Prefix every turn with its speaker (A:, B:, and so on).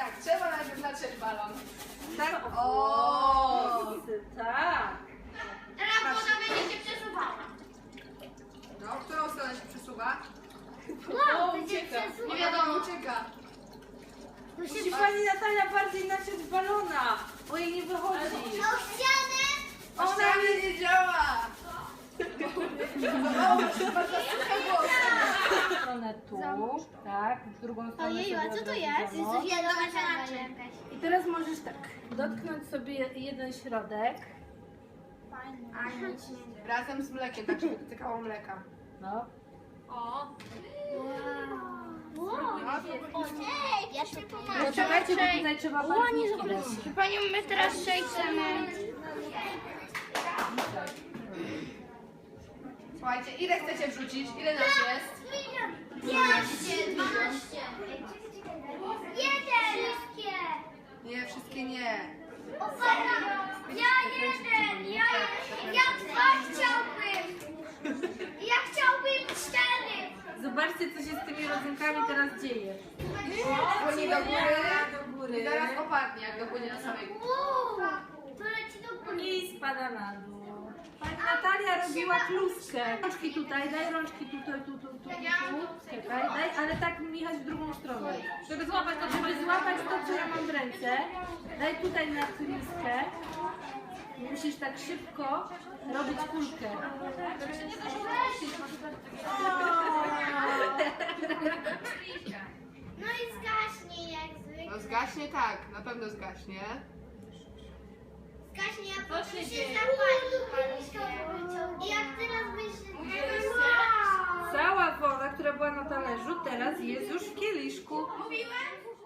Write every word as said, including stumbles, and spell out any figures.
A: Tak, trzeba najpierw natrzeć balon.
B: Tak?
A: O,
B: tak.
C: Teraz woda będzie się przesuwała.
A: no, w którą stronę się przesuwa?
C: Wow,
B: O,
C: to się
B: ucieka.
C: przesuwa.
A: Nie wiadomo, ucieka.
C: To się
B: Musi pani Natalia bardziej naciąć balona, bo jej nie wychodzi.
C: O ścianę!
A: Ona mnie nie działa. O, chyba za suche włosy.
B: Stronę tu, tak, w drugą stronę
C: Ojeju, a
B: sobie
C: co to
B: od
C: jest?
B: razu
C: Jest
B: zamok.
C: coś wiadomo jakaś.
B: I teraz możesz tak, dotknąć sobie jeden środek.
C: Fajne.
A: Razem z mlekiem, tak żeby dotykało mleka.
B: No.
C: O! Wow!
A: No,
C: O nie, ja się pomagam.
B: Poczekajcie, bo tutaj trzeba bardziej dać.
C: Panią, my teraz przejdziemy.
A: Słuchajcie, ile chcecie wrzucić? Ile nas jest?
C: Dwieście, dwanaście. Jeden! Wszystkie!
A: Nie, wszystkie nie.
C: O, fajna! Ja jeden! Ja jeden! Ja dwa chciałbym! Ja chciałbym cztery!
B: Zobaczcie, co się z tymi rodzynkami teraz dzieje.
A: Płynie do góry.
B: Do góry.
A: I zaraz opadnie, jak dopłynie do samej góry.
C: Wow! To leci do góry.
B: I spada na dół. Pani Natalia robiła kluskę. Rączki tutaj, daj rączki tutaj, tu, tu, tu, tu. Czekaj, daj, ale tak Michał w drugą stronę. Żeby złapać to, żeby złapać to, co ja mam w ręce. Daj tutaj na kluskę. Musisz tak szybko robić kulkę.
C: No i zgaśnie jak zwykle.
A: No zgaśnie tak, na pewno zgaśnie.
C: Zgaśnie, a potem się zapali. I jak teraz myślisz...
B: Cała woda, która była na talerzu, teraz jest już w kieliszku.
C: Mówiłem?